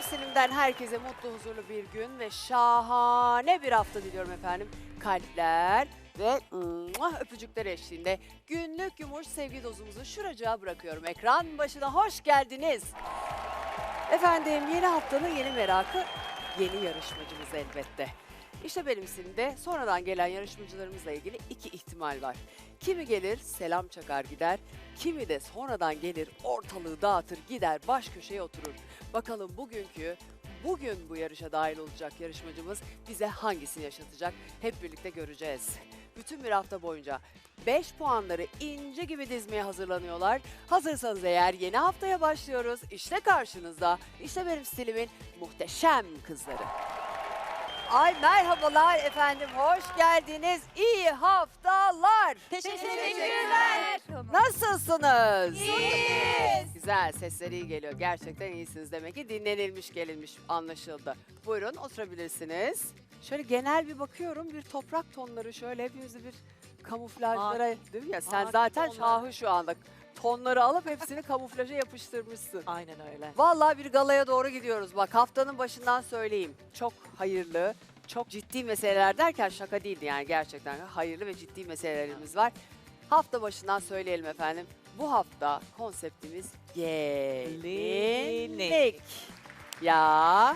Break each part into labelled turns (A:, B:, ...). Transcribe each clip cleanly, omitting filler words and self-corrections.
A: Silim'den herkese mutlu, huzurlu bir gün ve şahane bir hafta diliyorum efendim. Kalpler ve öpücükler eşliğinde günlük yumuş sevgi dozumuzu şuracığa bırakıyorum. Ekran başına hoş geldiniz. Efendim yeni haftanın yeni merakı yeni yarışmacımız elbette. İşte benim Silim'de sonradan gelen yarışmacılarımızla ilgili iki ihtimal var. Kimi gelir selam çakar gider, kimi de sonradan gelir ortalığı dağıtır gider baş köşeye oturur. Bakalım bugün bu yarışa dahil olacak yarışmacımız bize hangisini yaşatacak hep birlikte göreceğiz. Bütün bir hafta boyunca 5 puanları ince gibi dizmeye hazırlanıyorlar. Hazırsanız eğer yeni haftaya başlıyoruz. İşte karşınızda, işte benim stilimin muhteşem kızları. Ay merhabalar efendim, hoş geldiniz. İyi haftalar.
B: Teşekkürler.
A: Nasılsınız?
B: İyiyiz.
A: Güzel, sesleri iyi geliyor. Gerçekten iyisiniz demek ki. Dinlenilmiş, gelinmiş anlaşıldı. Buyurun oturabilirsiniz. Şöyle genel bir bakıyorum, bir toprak tonları şöyle hepimizi bir kamuflajlara, değil mi ya? Sen zaten şahı şu anda. Tonları alıp hepsini kamuflaja yapıştırmışsın.
B: Aynen öyle.
A: Vallahi bir galaya doğru gidiyoruz. Bak haftanın başından söyleyeyim. Çok hayırlı, çok ciddi meseleler derken şaka değildi yani gerçekten hayırlı ve ciddi meselelerimiz var. Hafta başından söyleyelim efendim. Bu hafta konseptimiz gelinlik. Ya.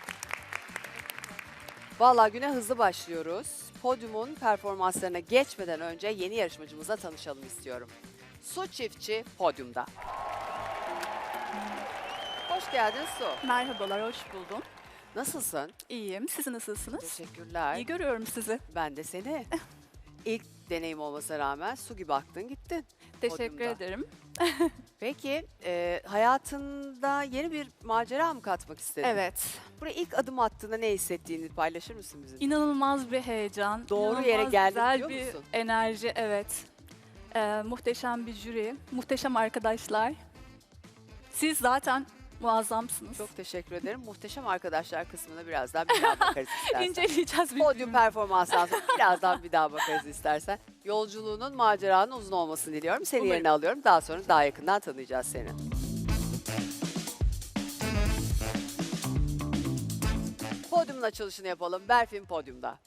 A: Vallahi güne hızlı başlıyoruz. Podyumun performanslarına geçmeden önce yeni yarışmacımızla tanışalım istiyorum. Su Çiftçi podyumda. Hoş geldin Su.
C: Merhabalar, hoş buldum.
A: Nasılsın?
C: İyiyim, siz nasılsınız?
A: Teşekkürler.
C: İyi görüyorum sizi.
A: Ben de seni. İlk deneyim olmasına rağmen su gibi aktın gittin.
C: Teşekkür
A: Podyumda.
C: ederim.
A: Peki hayatında yeni bir macera mı katmak istedin?
C: Evet,
A: Buraya ilk adım attığında ne hissettiğini paylaşır mısın bizimle?
C: inanılmaz bir heyecan.
A: Doğru
C: inanılmaz
A: yere geldik
C: güzel
A: diyor
C: bir
A: musun?
C: enerji, evet. Muhteşem bir jüri, muhteşem arkadaşlar. Siz zaten muazzamsınız.
A: Çok teşekkür ederim. Muhteşem arkadaşlar kısmına birazdan bir daha bakarız istersen.
C: İnceleyeceğiz
A: Podyum
C: birbirimizi.
A: performansından sonra birazdan bir daha bakarız istersen. Yolculuğunun, maceranın uzun olmasını diliyorum. Seni
C: Umarım.
A: yerine alıyorum. Daha sonra daha yakından tanıyacağız seni. Podyumun açılışını yapalım. Berfin podyumda.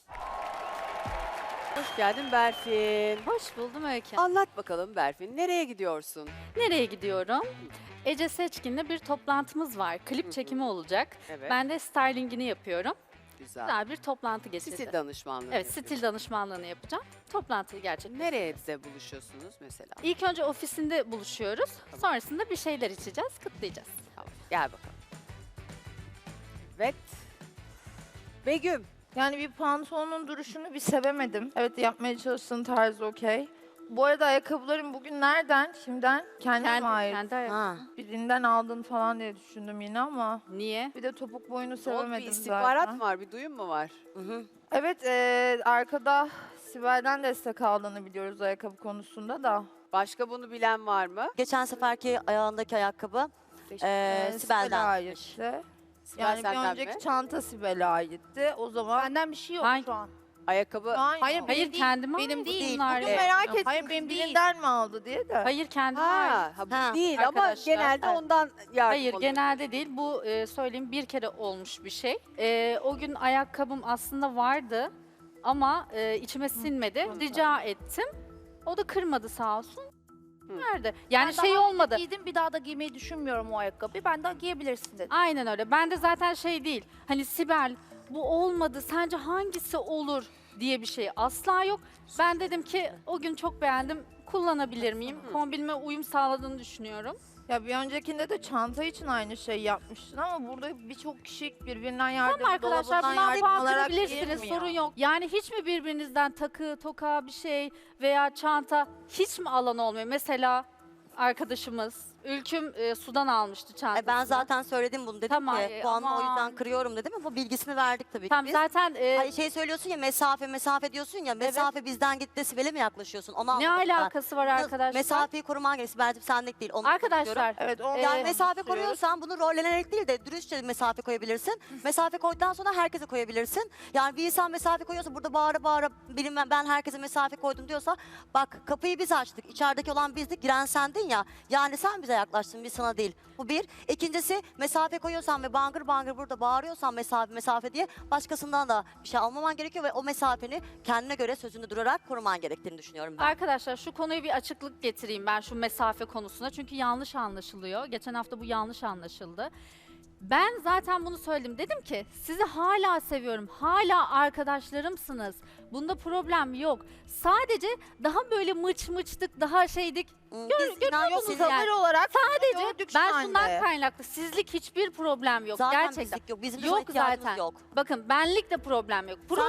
A: Hoş geldin Berfin.
D: Hoş buldum Öykü.
A: Anlat bakalım Berfin. Nereye gidiyorsun?
D: Nereye gidiyorum? Ece Seçkin'le bir toplantımız var.
A: Hı
D: Klip
A: hı.
D: çekimi olacak.
A: Evet.
D: Ben de stylingini yapıyorum.
A: Güzel.
D: Güzel bir toplantı geçirdi.
A: Stil danışmanlığı.
D: Evet,
A: yapıyorsun.
D: stil danışmanlığını yapacağım. Toplantıyı gerçekleştireceğim.
A: Nereye de buluşuyorsunuz mesela?
D: İlk önce ofisinde buluşuyoruz.
A: Tamam.
D: Sonrasında bir şeyler içeceğiz, kutlayacağız.
A: Tamam. Gel bakalım. Evet. Begüm.
B: Yani bir pantolonun duruşunu bir sevemedim. Evet, yapmaya çalıştığın tarzı okey. Bu arada ayakkabıların bugün nereden? Şimdiden kendine mi ait?
D: Kendi ayak-
B: Birinden aldın falan diye düşündüm yine ama.
D: Niye?
B: Bir de topuk boyunu
A: Oldu, bir
B: sevemedim
A: istihbarat
B: zaten.
A: mı var? Bir duyum mu var?
B: Evet, arkada Sibel'den destek aldığını biliyoruz ayakkabı konusunda da.
A: Başka bunu bilen var mı?
E: Geçen seferki ayağındaki ayakkabı
B: Sibel'e
E: Sibel'den.
B: aitti.
A: Sibel
B: Yani bir
A: senden
B: önceki
A: mi?
B: çanta Sibel'e aitti. O zaman
F: Benden bir şey yok
D: Hangi-
F: şu an.
A: Ayakkabı.
F: Hayır,
D: Hayır,
F: benim
D: kendime
F: Benim
D: ait
F: değil.
D: bunlar.
B: bugün
F: Evet.
B: merak ettim.
F: Hayır, benim değil.
B: Birinden mi aldı diye de.
D: Hayır, kendime ait.
A: Bu
E: Ha,
A: değil ama
D: arkadaşlar.
A: genelde
D: Evet.
A: ondan yardım
D: Hayır,
A: alıyor.
D: genelde değil. Bu söyleyeyim bir kere olmuş bir şey. O gün ayakkabım aslında vardı ama içime sinmedi. Rica ettim. O da kırmadı sağ olsun. Nerede? Yani
F: Ben
D: şey
F: daha
D: olmadı.
F: Giydim, bir daha da giymeyi düşünmüyorum o ayakkabıyı. Ben daha giyebilirsin dedim.
D: Aynen öyle. Ben de zaten şey değil. Hani Sibel bu olmadı. Sence hangisi olur diye bir şey asla yok. Ben dedim ki o gün çok beğendim. Kullanabilir miyim? Kombinime uyum sağladığını düşünüyorum.
B: Ya bir öncekinde de çanta için aynı şey yapmıştın ama burada birçok kişi birbirinden yardım,
D: Tamam arkadaşlar,
B: dolabından
D: bundan
B: yardım
D: puan
B: alarak
D: kırabilirsiniz,
B: girmiyor.
D: sorun yok. Yani hiç mi birbirinizden takı, toka bir şey veya çanta hiç mi alan olmuyor? Mesela arkadaşımız Ülküm sudan almıştı çantasını.
E: Ben zaten söyledim bunu dedim
D: Tamam,
E: ki puanımı o
D: aman.
E: yüzden kırıyorum dedim ama bilgisini verdik tabii ki
D: Tamam
E: biz.
D: zaten
E: Hani şey söylüyorsun ya mesafe diyorsun ya mesafe bizden gitti Sibel'e mi yaklaşıyorsun onu
D: ne
E: anlamadım ben.
D: alakası var arkadaşlar?
E: Mesafeyi koruman gerekiyor Sibel'cim senlik değil onu konuşuyorum.
D: Arkadaşlar
B: Evet, onu
E: Yani
D: Ee,
E: mesafe
B: konuşuyoruz.
E: koruyorsan bunu rollenerek değil de dürüstçe mesafe koyabilirsin. Mesafe koyduktan sonra herkese koyabilirsin. Yani bir insan mesafe koyuyorsa burada bağıra bağıra bilmem ben herkese mesafe koydum diyorsa bak kapıyı biz açtık. İçerideki olan bizdik giren sendin ya. Yani sen bize herkese yaklaştım, bir sana değil. Bu bir. İkincisi, mesafe koyuyorsan ve bangır bangır burada bağırıyorsan mesafe diye başkasından da bir şey almaman gerekiyor ve o mesafeni kendine göre sözünde durarak koruman gerektiğini düşünüyorum ben.
D: Arkadaşlar şu konuya bir açıklık getireyim ben şu mesafe konusuna. Çünkü yanlış anlaşılıyor. Geçen hafta bu yanlış anlaşıldı. Ben zaten bunu söyledim. Dedim ki sizi hala seviyorum. Hala arkadaşlarımsınız. Bunda problem yok. Sadece daha böyle mıçtık, daha şeydik.
E: Biz inan yok,
D: musunuz
E: sizin-
D: yani?
F: Tavır olarak
D: Sadece
F: gördük
D: ben
F: şu
D: şundan
F: anda.
D: kaynaklı. Sizlik hiçbir problem yok.
E: Zaten
D: Gerçekten.
E: bizlik yok. Bizim de
D: Yok
E: sana ihtiyacımız
D: zaten.
E: yok.
D: Bakın benlik de problem yok.
E: de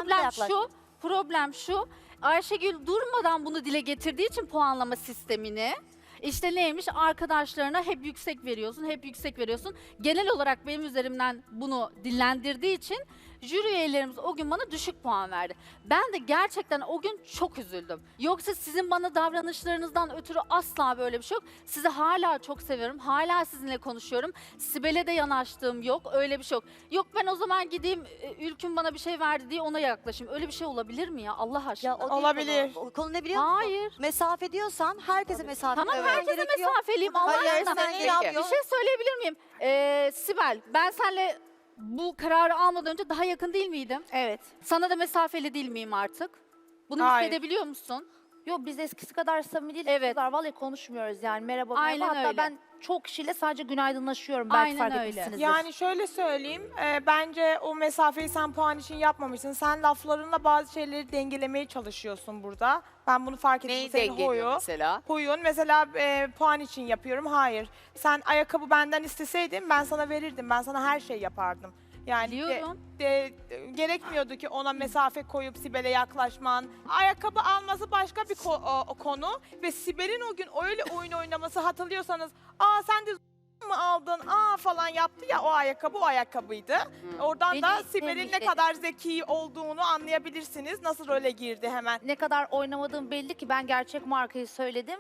D: Problem şu. Ayşegül durmadan bunu dile getirdiği için puanlama sistemini işte neymiş arkadaşlarına hep yüksek veriyorsun, hep yüksek veriyorsun. Genel olarak benim üzerimden bunu dillendirdiği için jüri üyelerimiz o gün bana düşük puan verdi. Ben de gerçekten o gün çok üzüldüm. Yoksa sizin bana davranışlarınızdan ötürü asla böyle bir şey yok. Sizi hala çok seviyorum. Hala sizinle konuşuyorum. Sibel'e de yanaştığım yok. Öyle bir şey yok. Yok ben o zaman gideyim Ülküm bana bir şey verdi diye ona yaklaşayım. Öyle bir şey olabilir mi ya Allah aşkına?
E: Ya o değil
G: Olabilir.
E: Konu. O konu ne biliyor musun?
D: Hayır.
E: Mesafe diyorsan herkese mesafe
D: Tamam
E: koyman
D: herkese
E: gerekiyor.
D: mesafeliyim. Allah
E: Hayır,
D: aşkına.
E: sen
A: Peki.
E: yapıyor.
D: Bir şey söyleyebilir miyim? Sibel ben seninle bu kararı almadan önce daha yakın değil miydim?
F: Evet.
D: Sana da mesafeli değil miyim artık? Bunu
G: Hayır.
D: hissedebiliyor musun?
F: Yok biz eskisi kadar samimi değiliz.
D: Evet.
F: Kızlar vallahi konuşmuyoruz yani. Merhaba merhaba.
D: Aynen
F: Hatta
D: öyle.
F: ben çok kişiyle sadece günaydınlaşıyorum. Belki
D: Aynen
F: fark
D: öyle.
F: etmişsinizdir.
G: Yani şöyle söyleyeyim, bence o mesafeyi sen puan için yapmamışsın. Sen laflarınla bazı şeyleri dengelemeye çalışıyorsun burada. Ben bunu fark ettim.
A: Neyi
G: Senin
A: dengeliyor mesela?
G: huyun mesela puan için yapıyorum. Hayır. Sen ayakkabı benden isteseydin ben sana verirdim. Ben sana her şey yapardım. Yani
D: Biliyorum.
G: gerekmiyordu ki ona mesafe koyup Sibel'e yaklaşman. Ayakkabı alması başka bir o konu ve Sibel'in o gün öyle oyun oynaması hatırlıyorsanız, "Aa sen de mı aldın? Aa" falan yaptı ya, o ayakkabı o ayakkabıydı. Oradan da
F: Beni
G: Sibel'in ne
F: temizledi.
G: kadar zeki olduğunu anlayabilirsiniz. Nasıl role girdi hemen.
F: Ne kadar oynamadığım belli ki ben gerçek markayı söyledim.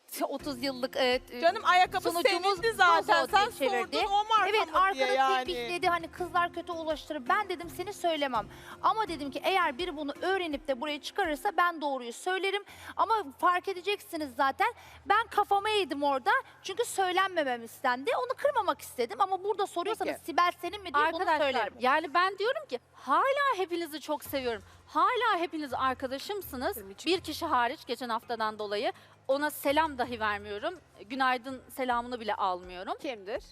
D: 30 yıllık
G: Canım ayakkabı
F: Sonucumuz
G: sevindi zaten.
F: Bozo
G: Sen
F: diye çevirdi.
G: sordun o marka
F: Evet
G: mı diye
F: arkada
G: yani.
F: tembihledi hani kızlar kötü ulaştırır. Ben dedim seni söylemem. Ama dedim ki eğer biri bunu öğrenip de buraya çıkarırsa ben doğruyu söylerim. Ama fark edeceksiniz zaten ben kafama eğdim orada. Çünkü söylenmemem istendi. Onu kırmamak istedim ama burada soruyorsanız
A: Peki.
F: Sibel senin mi diye bunu
D: arkadaşlar
F: söylerim.
D: yani ben diyorum ki hala hepinizi çok seviyorum. Hala hepiniz arkadaşımsınız. Bir kişi hariç geçen haftadan dolayı ona selam dahi vermiyorum. Günaydın selamını bile almıyorum.
A: Kimdir?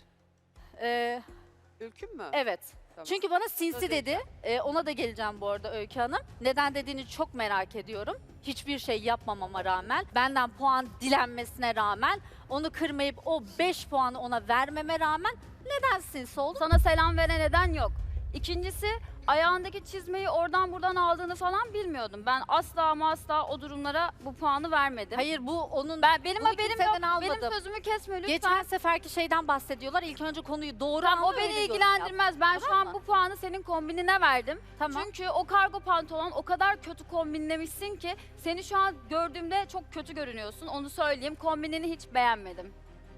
D: Ee,
A: Ülküm mü?
D: evet.
A: Tamam.
D: Çünkü bana sinsi
A: Söz
D: dedi. Ona da geleceğim bu arada Öykü Hanım. Neden dediğini çok merak ediyorum. Hiçbir şey yapmamama rağmen, benden puan dilenmesine rağmen, onu kırmayıp o 5 puanı ona vermeme rağmen neden sinsi oldu?
H: Sana selam veren neden yok. İkincisi ayağındaki çizmeyi oradan buradan aldığını falan bilmiyordum. Ben asla ama asla o durumlara bu puanı vermedim.
D: Hayır bu onun...
H: Benim
D: Bunu
H: haberim
D: kimseden
H: yok.
D: almadım.
H: Benim sözümü kesme lütfen.
D: Geçen seferki şeyden bahsediyorlar. İlk önce konuyu doğru
H: Tamam, o
D: anla,
H: beni
D: öyle yorum
H: ilgilendirmez. Ben
D: Tamam
H: şu an
D: mı?
H: bu puanı senin kombinine verdim.
D: Tamam.
H: Çünkü o kargo pantolon o kadar kötü kombinlemişsin ki seni şu an gördüğümde çok kötü görünüyorsun. Onu söyleyeyim. Kombinini hiç beğenmedim.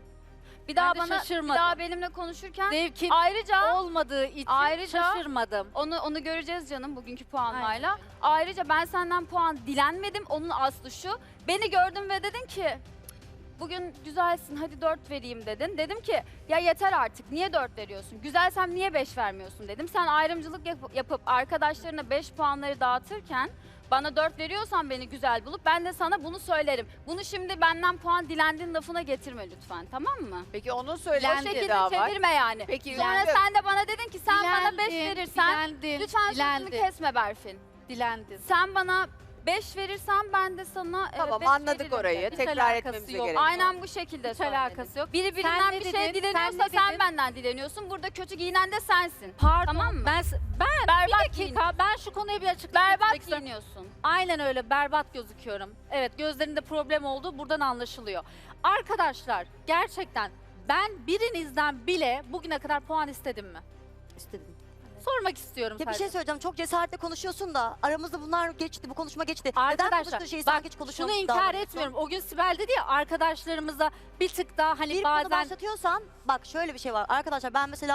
H: Bir daha
D: de
H: bana
D: şaşırmadım.
H: bir daha benimle konuşurken
D: Zevkin
H: ayrıca
D: olmadığı için
H: Ayrıca-
D: şaşırmadım.
H: onu göreceğiz canım bugünkü puanlayla.
D: Aynen öyle.
H: Ayrıca ben senden puan dilenmedim. Onun aslı şu. Beni gördün ve dedin ki bugün güzelsin hadi 4 vereyim dedin. Dedim ki ya yeter artık niye 4 veriyorsun? Güzelsem niye 5 vermiyorsun dedim. Sen ayrımcılık yapıp arkadaşlarına 5 puanları dağıtırken bana 4 veriyorsan beni güzel bulup ben de sana bunu söylerim. Bunu şimdi benden puan dilendiğin lafına getirme lütfen, tamam mı?
A: Peki onun
H: O
A: söylendiği
H: şekilde
A: daha var.
H: çevirme yani.
A: Peki
H: Sonra
A: Ülküm.
H: sen de bana dedin ki sen bana 5
D: Dilendin,
H: verirsen
D: dilendin,
H: lütfen sözümü
D: dilendin,
H: kesme Berfin.
D: dilendin.
H: Sen bana 5 verirsen ben de sana
A: Tamam
H: beş
A: anladık
H: veririm
A: orayı.
H: dedim.
A: Tekrar
D: alakası
A: etmemize
D: yok.
A: gerek yok.
H: Aynen bu şekilde
D: Hiç
H: söyledim.
D: alakası yok.
H: Biri
D: Sen
H: birinden
D: ne
H: bir şey
D: dedin?
H: dileniyorsa
D: Sen ne
H: sen
D: dedin?
H: benden dileniyorsun. Burada kötü giyinen de sensin.
D: Pardon.
H: Tamam mı?
D: Ben
H: Berbat
D: bir dakika ben şu konuya bir açıklık getirmek
H: Berbat
D: istiyorum.
H: giyiniyorsun.
D: Aynen öyle berbat gözüküyorum. Evet gözlerinde problem olduğu buradan anlaşılıyor. Arkadaşlar gerçekten ben birinizden bile bugüne kadar puan istedim mi?
E: İstedim.
D: Sormak istiyorum
E: Ya bir
D: sadece.
E: şey söyleyeceğim. Çok cesaretle konuşuyorsun da aramızda bunlar geçti, bu konuşma geçti. Neden
D: Arkadaşlar
E: konuştuğun şeyi
D: bak
E: sanki hiç
D: şunu
E: konuşmamış
D: inkar
E: davranıyorsun?
D: etmiyorum. O gün Sibel dedi ya arkadaşlarımıza bir tık daha hani
E: Bir konu
D: bazen
E: başlatıyorsan bak şöyle bir şey var. Arkadaşlar ben mesela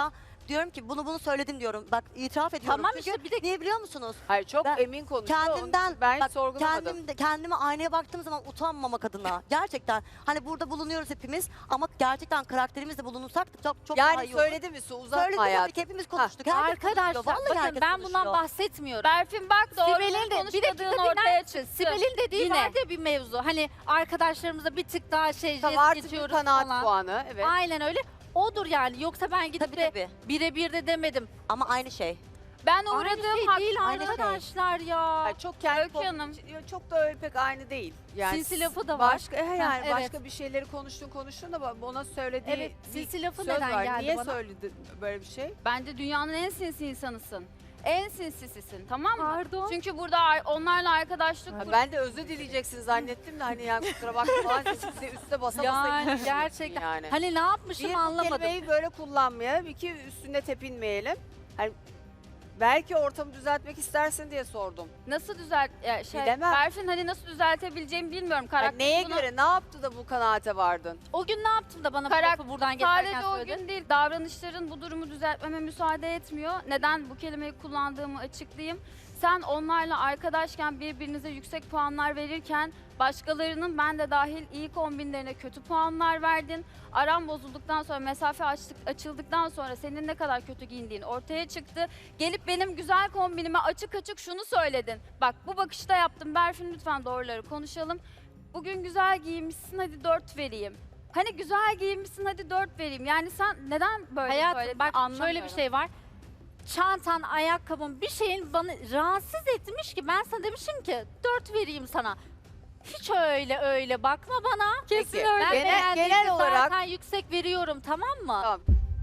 E: diyorum ki bunu söyledim diyorum. Bak itiraf ediyorum.
D: Tamam
E: Çünkü
D: işte bir de
E: niye biliyor musunuz?
A: Hayır çok
E: Ben
A: emin konuşuyor.
E: Kendimden
A: ben
E: bak,
A: sorgulamadım.
E: kendime aynaya baktığım zaman utanmamak adına. Gerçekten hani burada bulunuyoruz hepimiz ama gerçekten karakterimizle bulunursak da çok daha
A: Yani
E: iyi olur.
A: söyledi mi Su? Uzatma
E: Söyledim tabii
A: hayatım.
E: ki hepimiz konuştuk. Herkes
D: Arkadaşlar
E: konuşuyor. Vallahi
D: bakın
E: herkes
D: ben bundan
E: konuşuyor.
D: bahsetmiyorum.
H: Berfin bak doğru
D: Sibel'in de bir dakika
H: konuşmadığın ortaya
D: dinler
H: çıktı.
D: misin? Sibel'in dediği
H: Yine.
D: vardı ya bir mevzu. Hani arkadaşlarımıza bir tık daha jest
A: Tamam artık bir
D: geçiyoruz
A: kanaat
D: falan.
A: puanı. Evet.
D: Aynen öyle. Odur yani. Yoksa ben gidip
E: Tabii
D: de
E: tabii.
D: birebir de demedim.
E: Ama aynı şey.
H: Ben
D: Aynı
H: uğradığım
D: şey
H: hak...
D: değil
E: aynı şey.
D: arkadaşlar ya.
A: Hayır, çok kendi
H: Öykü Hanım.
A: çok da öyle pek aynı değil. Yani
D: Sinsi lafı da var.
A: Başka yani
D: Ha, evet.
A: başka bir şeyleri konuştun da ona söylediği
D: Evet,
A: bir
D: sinsi lafı
A: söz
D: neden
A: var.
D: geldi
A: Niye
D: bana?
A: söyledi böyle bir şey?
H: Bence dünyanın en sinsi insanısın. En sinsisisin, tamam mı?
D: Pardon.
H: Çünkü burada onlarla arkadaşlık
A: Ha, ben de özür dileyeceksin zannettim de hani yani kusura bakma falan size üste basa basa
D: Yani
A: gidiyorsun
D: gerçekten.
A: yani.
D: Hani ne yapmışım
A: Bir, bu
D: anlamadım.
A: kelimeyi böyle kullanmayalım. İki, üstünde tepinmeyelim. Hani belki ortamı düzeltmek istersin diye sordum.
H: nasıl
A: Bilemem.
H: Berfin hani nasıl düzeltebileceğimi bilmiyorum.
A: Yani
H: Karakter
A: neye
H: buna-
A: göre ne yaptı da bu kanaate vardın?
D: O gün ne yaptım da bana bu
H: Karak-
D: lafı buradan geçerken
H: Sadece o
D: söyledin?
H: gün değil, davranışların bu durumu düzeltmeme müsaade etmiyor. Neden bu kelimeyi kullandığımı açıklayayım. Sen onlarla arkadaşken birbirinize yüksek puanlar verirken başkalarının ben de dahil iyi kombinlerine kötü puanlar verdin. Aram bozulduktan sonra, mesafe açıldıktan sonra senin ne kadar kötü giyindiğin ortaya çıktı. Gelip benim güzel kombinime açık açık şunu söyledin. Bak bu bakışta yaptım. Berfin lütfen doğruları konuşalım. Bugün güzel giyinmişsin hadi 4 vereyim. Hani güzel giyinmişsin hadi 4 vereyim. Yani sen neden böyle
D: Hayatım
H: söyledin
D: bak şöyle
H: anlamıyorum.
D: bir şey var. Çantan, ayakkabın bir şeyin bana rahatsız etmiş ki ben sana demişim ki 4 vereyim sana. Hiç öyle bakma bana.
A: Kesin
D: Ben
A: öyle.
D: beğendiğimi
A: Genel olarak
D: zaten yüksek veriyorum tamam mı?
A: Tamam.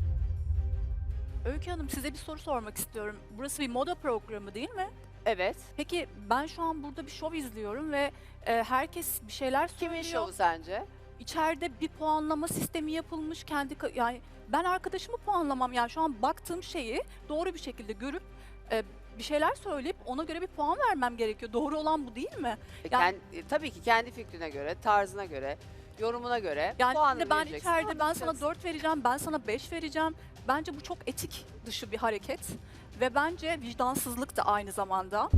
C: Öykü Hanım size bir soru sormak istiyorum. Burası bir moda programı değil mi?
A: evet.
C: Peki ben şu an burada bir şov izliyorum ve herkes bir şeyler
A: Kimin
C: söylüyor.
A: şovu sence?
C: İçeride bir puanlama sistemi yapılmış yani ben arkadaşımı puanlamam yani şu an baktığım şeyi doğru bir şekilde görüp bir şeyler söyleyip ona göre bir puan vermem gerekiyor. Doğru olan bu değil mi? Yani-
A: Tabii ki kendi fikrine göre, tarzına göre, yorumuna göre
C: Yani
A: puanını
C: şimdi ben
A: vereceksin.
C: içeride ben sana
A: Anlayacaksın.
C: 4 vereceğim, ben sana 5 vereceğim. Bence bu çok etik dışı bir hareket ve bence vicdansızlık da aynı zamanda.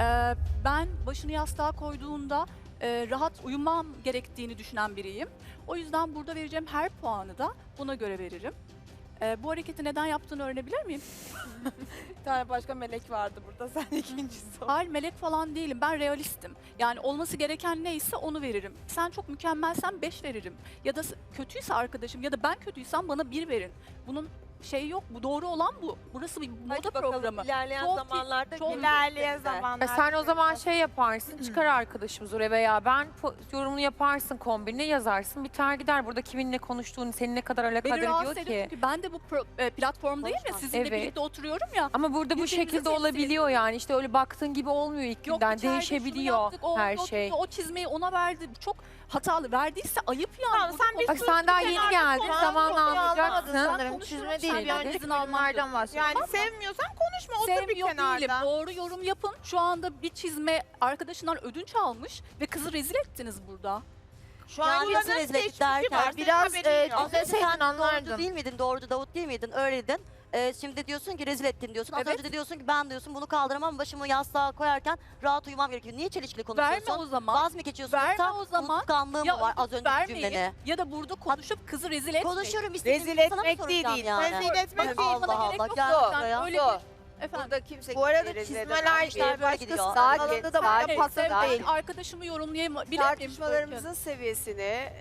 C: Ben başını yastığa koyduğunda rahat uyumam gerektiğini düşünen biriyim. O yüzden burada vereceğim her puanı da buna göre veririm. Bu hareketi neden yaptığını öğrenebilir miyim?
G: Bir tane başka melek vardı burada. Sen ikincisi ol.
C: Hayır melek falan değilim. Ben realistim. Yani olması gereken neyse onu veririm. Sen çok mükemmelsen 5 veririm. Ya da kötüyse arkadaşım ya da ben kötüysem bana 1 verin. Bunun şeyi yok. Bu doğru olan bu. Burası bir moda programı.
I: İlerleyen
C: Çok-
I: zamanlarda
C: çok-
G: İlerleyen
I: güzel.
G: zamanlarda.
J: Sen o zaman şey yaparsın, çıkar arkadaşımız oraya veya ben yorumunu yaparsın, kombinini yazarsın, biter gider. Burada kiminle konuştuğunu, seni ne kadar alakadar
C: Beni rahatsız
J: ediyor
C: ediyor
J: ki.
C: çünkü ben de bu platformdayım ya
E: Konuşma.
C: sizinle
J: Evet.
C: birlikte oturuyorum ya.
J: Ama burada bu
C: Birbirimizi
J: şekilde
C: temsil
J: olabiliyor yani. İşte öyle baktığın gibi olmuyor ilk
C: Yok
J: günden.
C: içeride şunu
J: Değişebiliyor
C: yaptık, o
J: her
C: oldu,
J: şey.
C: O çizmeyi ona verdi. Bu çok hatalı. Verdiyse ayıp yani.
G: Tamam,
C: Burada
G: sen bir
J: Bak
G: sus,
J: sen daha
G: bir
J: yeni
G: kenarda
J: geldin,
G: konuş.
J: zamanla
B: Anlamadın
J: anlayacaksın.
B: sanırım.
C: konuşuyorum,
B: Çizme değil,
C: sen
B: bir
C: de
B: önceki
C: izin alman
B: yorumlardan bahsediyorum.
G: Yani sevmiyorsan konuşma, otur bir
C: Sevmiyor
G: kenarda.
C: değilim. Doğru yorum yapın. Şu anda bir çizme arkadaşından ödünç almış ve kızı rezil ettiniz burada.
G: Şu
E: Yani
G: an
E: nasıl
G: buranın
E: rezil ettik
G: geçmişi
E: derken
G: var. Senin
B: biraz,
G: haberin yok.
E: Az önce
B: Deseydin
E: sen
B: anlardın.
E: doğrucu değil miydin? Doğrucu Davut değil miydin? Öyleydin. Şimdi diyorsun ki rezil ettin diyorsun. Az
C: Evet.
E: önce de diyorsun ki ben diyorsun bunu kaldıramam. Başımı yastığa koyarken rahat uyumam gerekiyor. Niye çelişkili konuşuyorsun?
C: Verme o zaman.
E: Vaz mı geçiyorsun?
C: Verme
E: Yoksa
C: o zaman.
E: unutkanlığın mı var az önceki
C: vermeyin
E: cümlene?
C: ya da burada konuşup kızı rezil etmeyin.
E: Konuşurum istediğim
A: Rezil
E: gibi sana mı
A: etmek değil,
E: soracağım yani?
G: Rezil etmek değil.
E: Allah
C: Bana
E: Allah.
C: gerek yok
E: Gel
C: zaten.
E: buraya.
C: Öyle
A: Yok.
C: Efendim.
A: Burada kimse
I: Bu arada
A: kimseyi rezil
I: çizmeler
A: edemez.
I: işte
E: Böyle gidiyor.
I: başkası
A: Sakin,
I: alanında da bana
A: sakin,
I: pas
A: sakin.
I: değil.
C: Arkadaşımı yorumlayabilir miyim?
A: Tartışmalarımızın seviyesini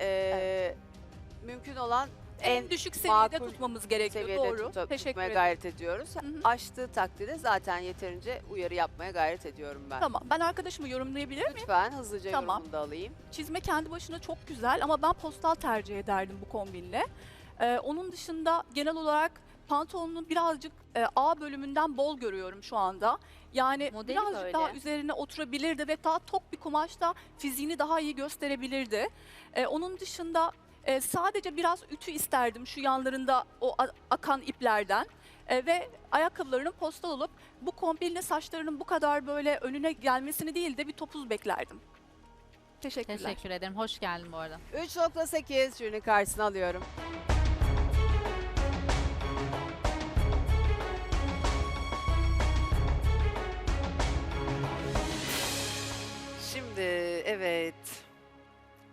A: mümkün olan
C: en düşük seviyede
A: makul
C: tutmamız gerekiyor.
A: seviyede
C: Doğru.
A: tutmaya
C: Teşekkür ederim.
A: gayret ediyoruz.
C: hı.
A: Aştığı takdirde zaten yeterince uyarı yapmaya gayret ediyorum ben.
C: Tamam. Ben arkadaşımı yorumlayabilir miyim?
A: Lütfen hızlıca
C: Tamam.
A: yorumunu da alayım.
C: Çizme kendi başına çok güzel ama ben postal tercih ederdim bu kombinle. Onun dışında genel olarak pantolonun birazcık A bölümünden bol görüyorum şu anda. Yani
H: Modeli
C: birazcık
H: böyle.
C: daha üzerine oturabilirdi ve daha tok bir kumaşta fiziğini daha iyi gösterebilirdi. Onun dışında sadece biraz ütü isterdim şu yanlarında o akan iplerden. Ve ayakkabılarının postal olup bu kombinle saçlarının bu kadar böyle önüne gelmesini değil de bir topuz beklerdim. Teşekkürler.
D: Teşekkür ederim. Hoş geldin bu arada.
A: 3.8 jürinin karşısına alıyorum.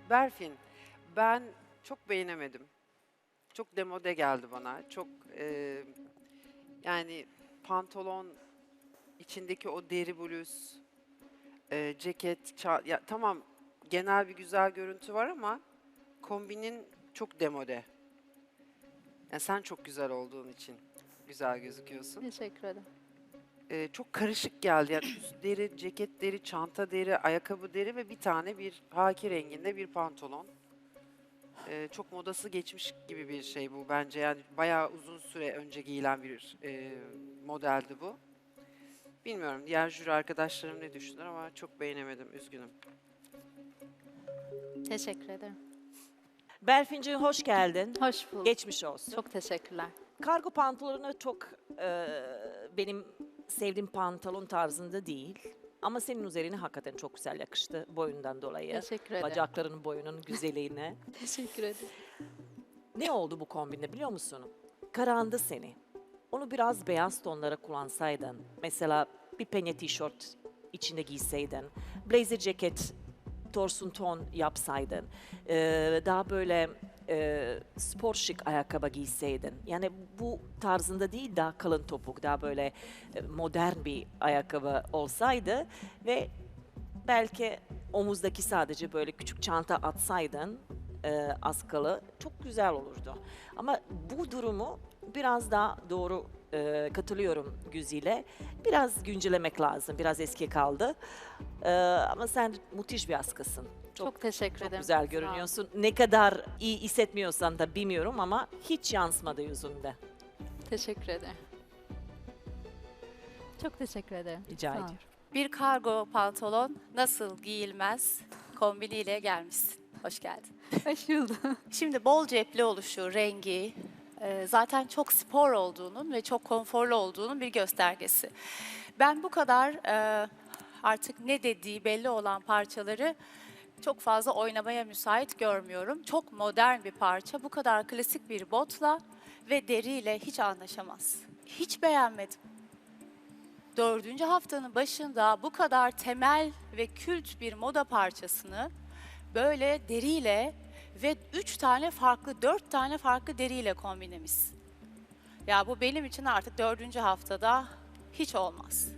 I: Berfin, ben çok beğenemedim. Çok demode geldi bana. Çok yani pantolon, içindeki o deri bluz, ceket, ya tamam genel bir güzel görüntü var ama kombinin çok demode. Yani sen çok güzel olduğun için güzel gözüküyorsun.
D: Teşekkür ederim.
I: Çok karışık geldi. Yani üst deri, ceket deri, çanta deri, ayakkabı deri ve bir tane bir haki renginde bir pantolon. Çok modası geçmiş gibi bir şey bu bence. Yani bayağı uzun süre önce giyilen bir modeldi bu. Bilmiyorum diğer jüri arkadaşlarım ne düşünür ama çok beğenemedim. Üzgünüm.
D: Teşekkür ederim.
K: Berfinciğim hoş geldin.
D: Hoş bulduk.
K: Geçmiş olsun.
D: Çok teşekkürler.
K: Kargo pantolonu çok benim sevdiğim pantolon tarzında değil. Ama senin üzerine hakikaten çok güzel yakıştı boyundan dolayı.
D: Teşekkür ederim.
K: Bacaklarının boyunun güzelliğine.
D: Teşekkür ederim.
K: Ne oldu bu kombinde biliyor musun? Karandı seni. Onu biraz beyaz tonlara kullansaydın. Mesela bir penye tişört içinde giyseydin. Blazer ceket torsun ton yapsaydın. Daha böyle spor şık ayakkabı giyseydin. Yani bu tarzında değil daha kalın topuk, daha böyle modern bir ayakkabı olsaydı ve belki omuzdaki sadece böyle küçük çanta atsaydın askılı çok güzel olurdu. Ama bu durumu biraz daha doğru katılıyorum Güzide. Biraz güncellemek lazım. Biraz eski kaldı. Ama sen müthiş bir askısın.
D: Çok teşekkür
K: Çok
D: ederim.
K: güzel
D: Sağ ol.
K: görünüyorsun. Ne kadar iyi hissetmiyorsan da bilmiyorum ama hiç yansımadı yüzünde.
D: Teşekkür ederim. Çok teşekkür ederim.
K: Rica
D: Sağ ol.
K: ediyorum.
L: Bir kargo pantolon nasıl giyilmez kombiniyle gelmişsin. Hoş geldin.
D: Hoş buldum.
L: Şimdi bol cepli oluşu, rengi zaten çok spor olduğunun ve çok konforlu olduğunun bir göstergesi. Ben bu kadar artık ne dediği belli olan parçaları çok fazla oynamaya müsait görmüyorum. Çok modern bir parça. Bu kadar klasik bir botla ve deriyle hiç anlaşamaz. Hiç beğenmedim. 4. haftanın başında bu kadar temel ve kült bir moda parçasını böyle deriyle ve 4 tane farklı deriyle kombinlemişsin. Ya bu benim için artık 4. haftada hiç olmaz.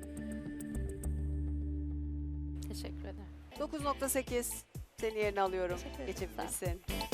D: Teşekkür ederim.
A: 9.8 seni yerine alıyorum.
D: Teşekkür ederim.
A: Geçebilirsin.